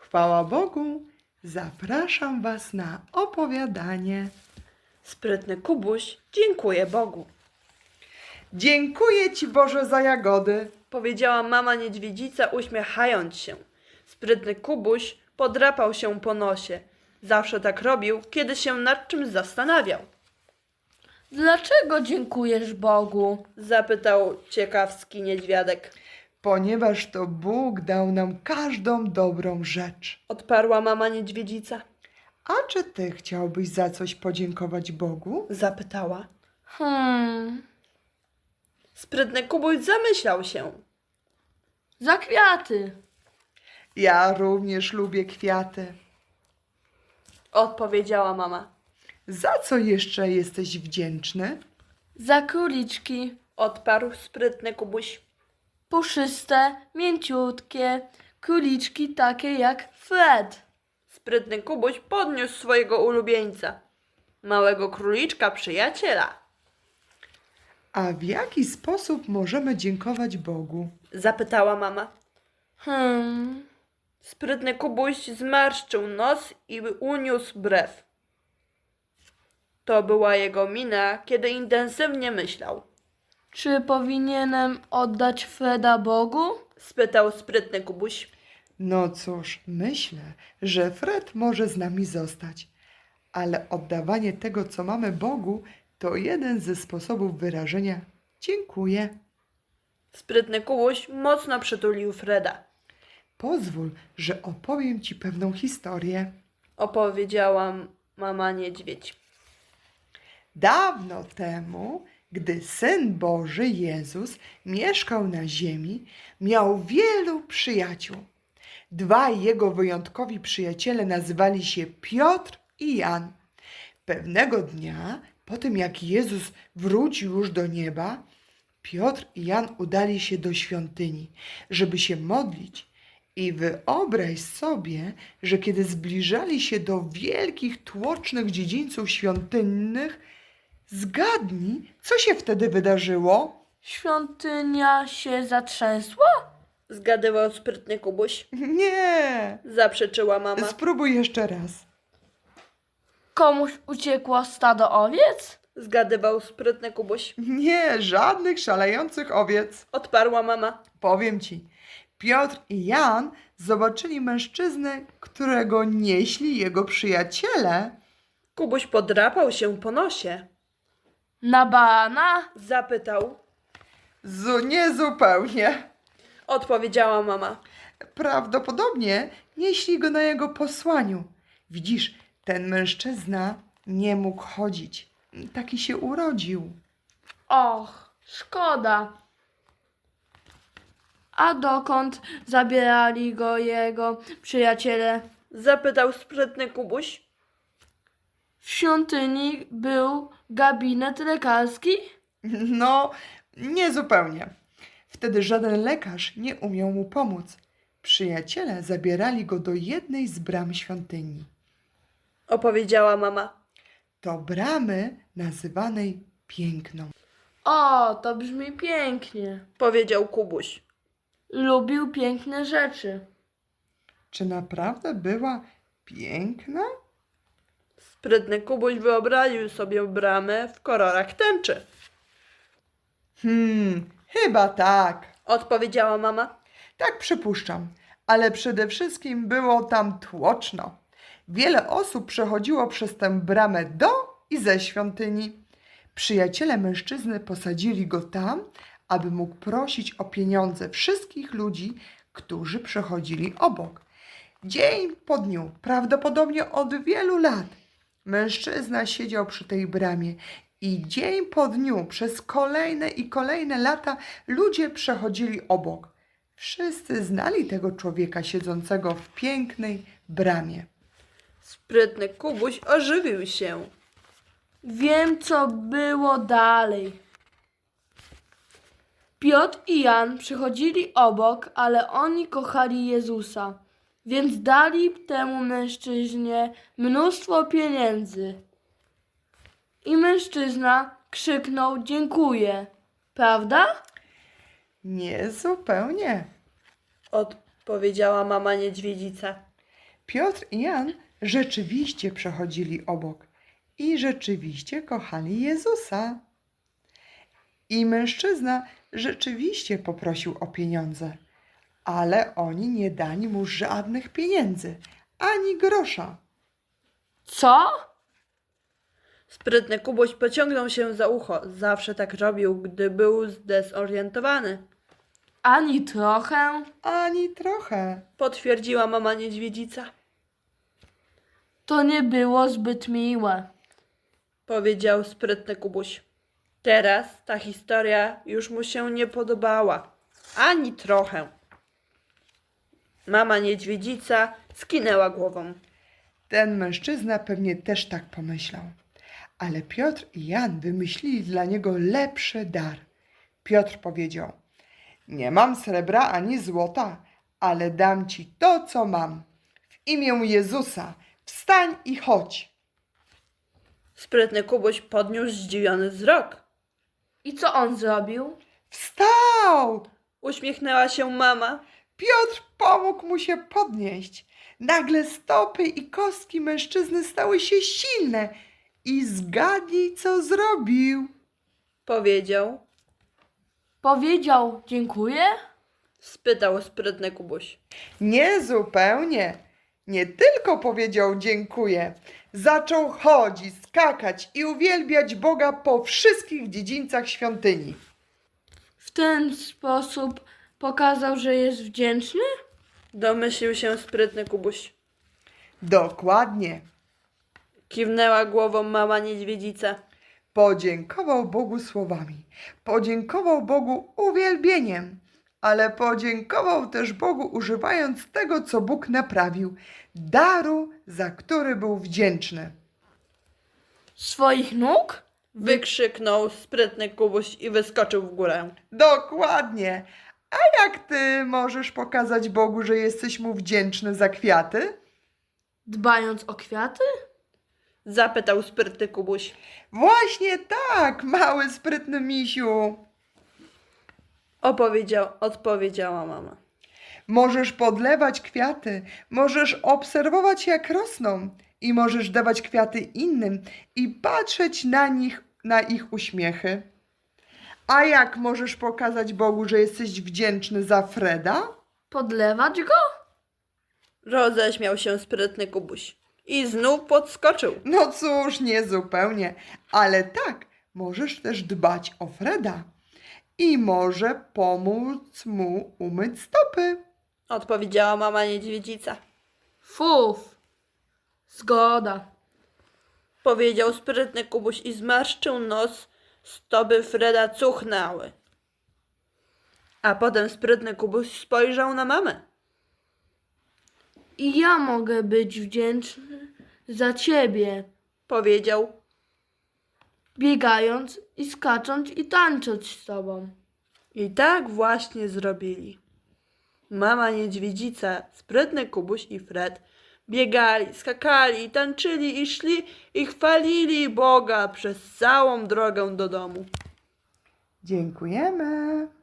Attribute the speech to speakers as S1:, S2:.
S1: Chwała Bogu, zapraszam Was na opowiadanie.
S2: Sprytny Kubuś dziękuję Bogu,
S1: Dziękuję Ci, Boże, za jagody.
S2: powiedziała mama niedźwiedzica, uśmiechając się. Sprytny Kubuś podrapał się po nosie. Zawsze tak robił, kiedy się nad czymś zastanawiał.
S3: Dlaczego dziękujesz Bogu?
S2: Zapytał ciekawski niedźwiadek.
S1: Ponieważ to Bóg dał nam każdą dobrą rzecz.
S2: Odparła mama niedźwiedzica.
S1: A czy Ty chciałbyś za coś podziękować Bogu?
S2: Zapytała. Sprytny Kubuś zamyślał się.
S3: Za kwiaty.
S1: Ja również lubię kwiaty.
S2: Odpowiedziała mama.
S1: Za co jeszcze jesteś wdzięczny?
S3: Za króliczki.
S2: Odparł sprytny Kubuś.
S3: Puszyste, mięciutkie. Króliczki takie jak Fred.
S2: Sprytny Kubuś podniósł swojego ulubieńca. Małego króliczka przyjaciela.
S1: A w jaki sposób możemy dziękować Bogu?
S2: Zapytała mama. Sprytny Kubuś zmarszczył nos i uniósł brew. To była jego mina, kiedy intensywnie myślał.
S3: Czy powinienem oddać Freda Bogu?
S2: Spytał sprytny Kubuś.
S1: No cóż, myślę, że Fred może z nami zostać, ale oddawanie tego, co mamy Bogu, to jeden ze sposobów wyrażenia dziękuję.
S2: Sprytny Kubuś mocno przytulił Freda.
S1: Pozwól, że opowiem Ci pewną historię.
S2: Opowiedziała mama niedźwiedź.
S1: Dawno temu, gdy Syn Boży Jezus mieszkał na ziemi, miał wielu przyjaciół. Dwaj jego wyjątkowi przyjaciele nazywali się Piotr i Jan. Pewnego dnia, po tym jak Jezus wrócił już do nieba, Piotr i Jan udali się do świątyni, żeby się modlić. I wyobraź sobie, że kiedy zbliżali się do wielkich, tłocznych dziedzińców świątynnych, zgadnij, co się wtedy wydarzyło?
S3: Świątynia się zatrzęsła?
S2: Zgadywał sprytny Kubuś.
S1: Nie,
S2: Zaprzeczyła mama.
S1: spróbuj jeszcze raz.
S3: Komuś uciekło stado owiec?
S2: Zgadywał sprytny Kubuś.
S1: Nie, żadnych szalejących owiec.
S2: Odparła mama.
S1: Powiem Ci, Piotr i Jan zobaczyli mężczyznę, którego nieśli jego przyjaciele.
S2: Kubuś podrapał się po nosie.
S3: Na barana?
S2: Zapytał.
S1: Nie zupełnie.
S2: Odpowiedziała mama.
S1: Prawdopodobnie nieśli go na jego posłaniu. Widzisz, ten mężczyzna nie mógł chodzić. Taki się urodził.
S3: Och, szkoda. A dokąd zabierali go jego przyjaciele?
S2: Zapytał sprytny Kubuś.
S3: W świątyni był gabinet lekarski?
S1: No, nie zupełnie. Wtedy żaden lekarz nie umiał mu pomóc. Przyjaciele zabierali go do jednej z bram świątyni.
S2: Opowiedziała mama.
S1: To bramy nazywanej Piękną.
S3: O, to brzmi pięknie.
S2: Powiedział Kubuś.
S3: Lubił piękne rzeczy.
S1: Czy naprawdę była piękna?
S2: Sprytny Kubuś wyobraził sobie bramę w kolorach tęczy.
S1: Chyba tak.
S2: Odpowiedziała mama.
S1: Tak przypuszczam. Ale przede wszystkim było tam tłoczno. Wiele osób przechodziło przez tę bramę do i ze świątyni. Przyjaciele mężczyzny posadzili go tam, aby mógł prosić o pieniądze wszystkich ludzi, którzy przechodzili obok. Dzień po dniu, prawdopodobnie od wielu lat, mężczyzna siedział przy tej bramie i dzień po dniu przez kolejne i kolejne lata ludzie przechodzili obok. Wszyscy znali tego człowieka siedzącego w pięknej bramie.
S2: Sprytny Kubuś ożywił się.
S3: Wiem, co było dalej. Piotr i Jan przychodzili obok, ale oni kochali Jezusa, więc dali temu mężczyźnie mnóstwo pieniędzy. I mężczyzna krzyknął dziękuję. Prawda?
S1: Nie zupełnie.
S2: Odpowiedziała mama niedźwiedzica.
S1: Piotr i Jan rzeczywiście przechodzili obok i rzeczywiście kochali Jezusa. I mężczyzna rzeczywiście poprosił o pieniądze, ale oni nie dali mu żadnych pieniędzy, ani grosza.
S3: Co?
S2: Sprytny Kubuś pociągnął się za ucho. Zawsze tak robił, gdy był zdezorientowany.
S3: Ani trochę?
S1: Ani trochę.
S2: Potwierdziła mama niedźwiedzica.
S3: To nie było zbyt miłe.
S2: Powiedział sprytny Kubuś. Teraz ta historia już mu się nie podobała. Ani trochę. Mama niedźwiedzica skinęła głową.
S1: Ten mężczyzna pewnie też tak pomyślał. Ale Piotr i Jan wymyślili dla niego lepszy dar. Piotr powiedział: nie mam srebra ani złota, ale dam ci to, co mam. W imię Jezusa wstań i chodź.
S2: Sprytny Kubuś podniósł zdziwiony wzrok.
S3: I co on zrobił?
S1: Wstał!
S2: Uśmiechnęła się mama.
S1: Piotr pomógł mu się podnieść. Nagle stopy i kostki mężczyzny stały się silne i zgadnij, co zrobił.
S2: Powiedział.
S3: Powiedział dziękuję?
S2: Spytał sprytny Kubuś.
S1: Nie zupełnie. Nie tylko powiedział dziękuję. Zaczął chodzić, skakać i uwielbiać Boga po wszystkich dziedzińcach świątyni.
S3: W ten sposób pokazał, że jest wdzięczny?
S2: Domyślił się sprytny Kubuś.
S1: Dokładnie.
S2: Kiwnęła głową mama niedźwiedzica.
S1: Podziękował Bogu słowami. Podziękował Bogu uwielbieniem. Ale podziękował też Bogu używając tego, co Bóg naprawił. Daru, za który był wdzięczny.
S3: Swoich nóg?
S2: Wykrzyknął sprytny Kubuś i wyskoczył w górę.
S1: Dokładnie. A jak ty możesz pokazać Bogu, że jesteś mu wdzięczny za kwiaty?
S3: Dbając o kwiaty?
S2: Zapytał sprytny Kubuś.
S1: Właśnie tak, mały sprytny misiu.
S2: Odpowiedziała mama.
S1: Możesz podlewać kwiaty, możesz obserwować, jak rosną i możesz dawać kwiaty innym i patrzeć na ich uśmiechy. A jak możesz pokazać Bogu, że jesteś wdzięczny za Freda?
S3: Podlewać go?
S2: Roześmiał się sprytny Kubuś. I znów podskoczył.
S1: No cóż, nie zupełnie, ale tak, możesz też dbać o Freda i może pomóc mu umyć stopy.
S2: Odpowiedziała mama niedźwiedzica.
S3: Fuf. Zgoda.
S2: Powiedział sprytny Kubuś i zmarszczył nos. Stopy Freda cuchnęły. A potem sprytny Kubuś spojrzał na mamę.
S3: I ja mogę być wdzięczny za ciebie,
S2: Powiedział.
S3: biegając i skacząc i tańcząc z tobą.
S2: I tak właśnie zrobili. Mama niedźwiedzica, sprytny Kubuś i Fred biegali, skakali, tańczyli i szli i chwalili Boga przez całą drogę do domu.
S1: Dziękujemy.